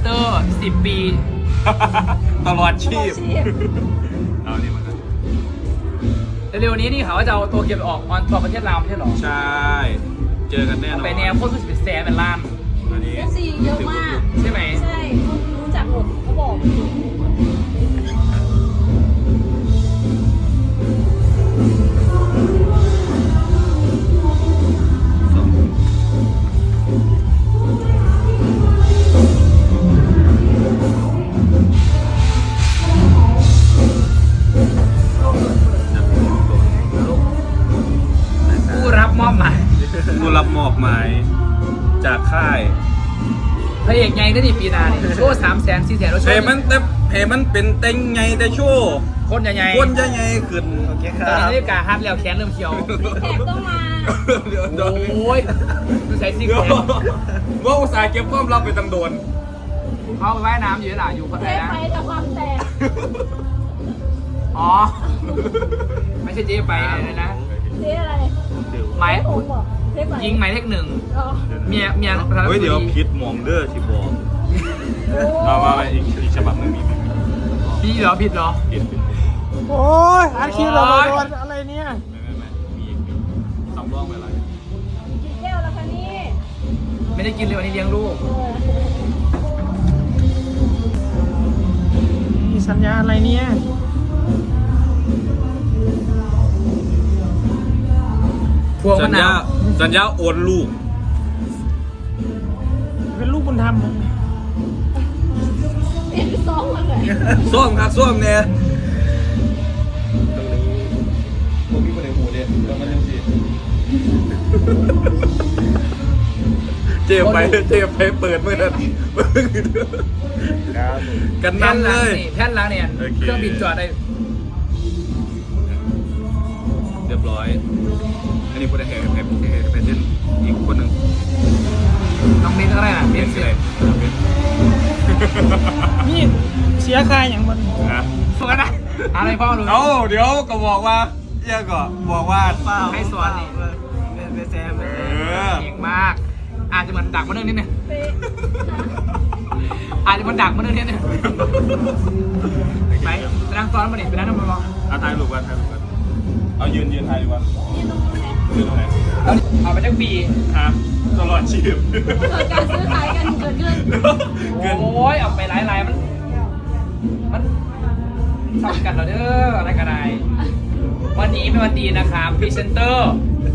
เตอร์10 ปีตลอดชีพเอานี่มาเร็วๆนี้นี่เขาว่าจะเอาตัวเก็บออกออนทัวร์ประเทศลาวไม่ใช่หรอใช่เจอกันแน่นอนไปแนวโคตรสุดแสนเป็นล้านอันนี้ FC เยอะมากใช่ไหมใช่รู้จักหมดเขาบอกผู้รับมอบหมายผู้รับมอบหมายจากค่ายพระเอกไงก็ดีปีนาเนี่ยโชว์300,000 400,000แล้วโชเพว์มันเป็นเต็งไงแต่โชว์คนใหญ่ๆคนจะไงขึ้นโอเคคตรัอนบนี้นาฬิกาฮัทแล้วแขนเริ่มเขียวแขกต้องมาเดี๋ยวโอ้ยดูใส่ซิกเดี๋ยวแพคว่าอุตส่าห์เก็บความลับไปตั้งโดนเขาไปว่ายน้ำอยู่หล่ะอยู่คนเทไหนปนะไปแต่ความแตกอ๋อไม่ใช่เจ๊ไปอะไรนะเทปอะไรหมายผมบอกเทปไหนยิงหมายเลข 1 อ๋อเมียประธานาธิบเฮ้ยดีเดี๋ยวพิษมองเด้อที่บอกมาอีกฉบับหนึ่งมีพี่เหรอผิดเหรอพิษโอ้ยอาชีพเราโดนอะไรเนี่ยไม่มีอีกสำรองไปอะไรกี่แก้วแล้วคะนี่ไม่ได้กินเลยวันนี้เลี้ยงลูกมีสัญญาอะไรเนี่ยพวงสัมะญนาญาว สัญญาโอนลูกเป็นลูกบุญธรรมเปลี่ยนเป็นซองมาเลยส้วมครับส้วมเนี่ยตรงนี้พวกมีคนในหูเนี่ยแล้วมันยังสิเจ็บไปเปิดเมื่อนั้นกันนั่นเลยแท่นล้างเนี่ยเครื่องบินจอดได้เรียบร้อย อันนี้พูดได้แค่เป็นอีกคนหนึ่งน้องเบนก็ได้นะเบเป็น นเสีอะยไรนี่เสียค่าอย่างมันนะฝึกกันนะอะไรพ่อรู้เอาเดี๋ยวก็บอกว่าเอี่ยก็บอกว่าให้สอนนี่เป็นแซมเก่งมาก อาจจะเหมือนดักมาเรื่องนิดนึงเป๊ะอาจจะเหมือนดักมาเรื่องนิดนึงไปนั่งซ้อนมาดิไปนั่งนั่งมาลองเอาถ่ายรูปกันเอายืนถ่ายดีกว่านี่ตรงนู้นนะยืนตรงไหนแล้วเอาไปทั้งปีฮะตลอดชีพเกิดการซื้อขายกันเกิดขึ้นโอ้ยเอาไปหลายมันทำกันเหรอเด้ออะไรกันได้วันนี้เป็นวันดีนะครับพรีเซนเตอร์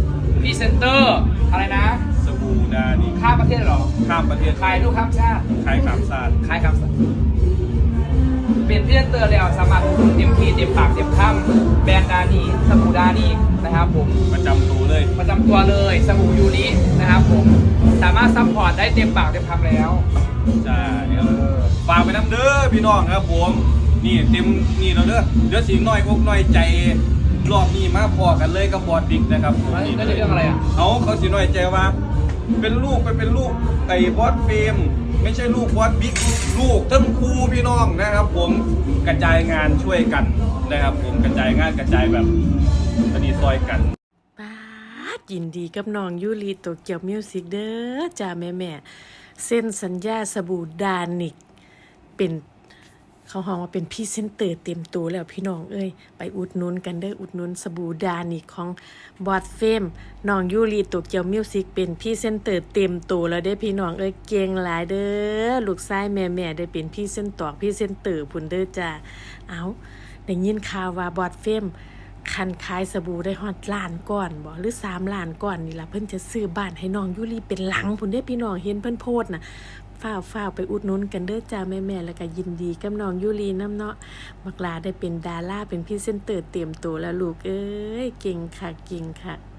อะไรนะสบู่ดานี่ข้ามประเทศเหรอข้ามประเทศขายลูกข้ามชาติขายขามซาดขายคำสั่งเป็นพรีเซนเตอร์แล้วสามารถเต็มที่เต็มปากเต็มคำแบรนด์ดานีสบู่ดานีนะครับผมประจำตัวเลยประจำตัวเลยสบู่ยูรินะครับผมสามารถซัพพอร์ตได้เต็มปากเต็มคำแล้วใช่ฝากไปน้ำเด้อพี่น้องครับผมนี่เต็มนี่เราเด้อเดี๋ยวสิน้อยอกน้อยใจรอบนี้มาพอกันเลยกับบอดดิกนะครับผมนั่นจะเรื่องอะไรอ่ะเขาสิน้อยใจว่า เป็นลูกเป็นลูกไอ้บอสเฟรมไม่ใช่ลูกบอสบิ๊กลูกทั้งครูพี่น้องนะครับ ผมกระจายงานช่วยกันนะครับ ผมกระจายงานกระจายแบบสนิทซอยกันป้าดยินดีกับน้องยูริโตเกียวมิวสิกเด้อจ้าแม่เส้นสัญญาสบู่ดานิกเป็นเขาห้องว่าเป็นพรีเซนเตอร์เต็มตัวแล้วพี่น้องเอ้ยไปอุดหนุนกันเด้ออุดหนุนสบู่ดานิกของบอดเฟมน้องยูริโตเกียวมิวสิกเป็นพรีเซนเตอร์เต็มตัวแล้วเด้อพี่น้องเอ้ยเก่งหลายเด้อลูกชายแม่ได้เป็นพรีเซนเตอร์พุ่นเด้อจ้าเอาได้ยินข่าวว่าบอดเฟมคันขายสบู่ได้ฮอดล้านก้อนบ่หรือ3 ล้านก้อนนี่ล่ะเพิ่นจะซื้อบ้านให้น้องยูริเป็นหลังพุ่นเด้อพี่น้องเห็นเพิ่นโพสต์น่ะฝ้าวไปอุดหนุนกันเด้อจ้าแม่แล้วก็ยินดีกับน้องยูริน้ำเนาะบักลาได้เป็นดาราเป็นพรีเซนเตอร์เตรียมตัวแล้วลูกเอ้ยเก่งค่ะ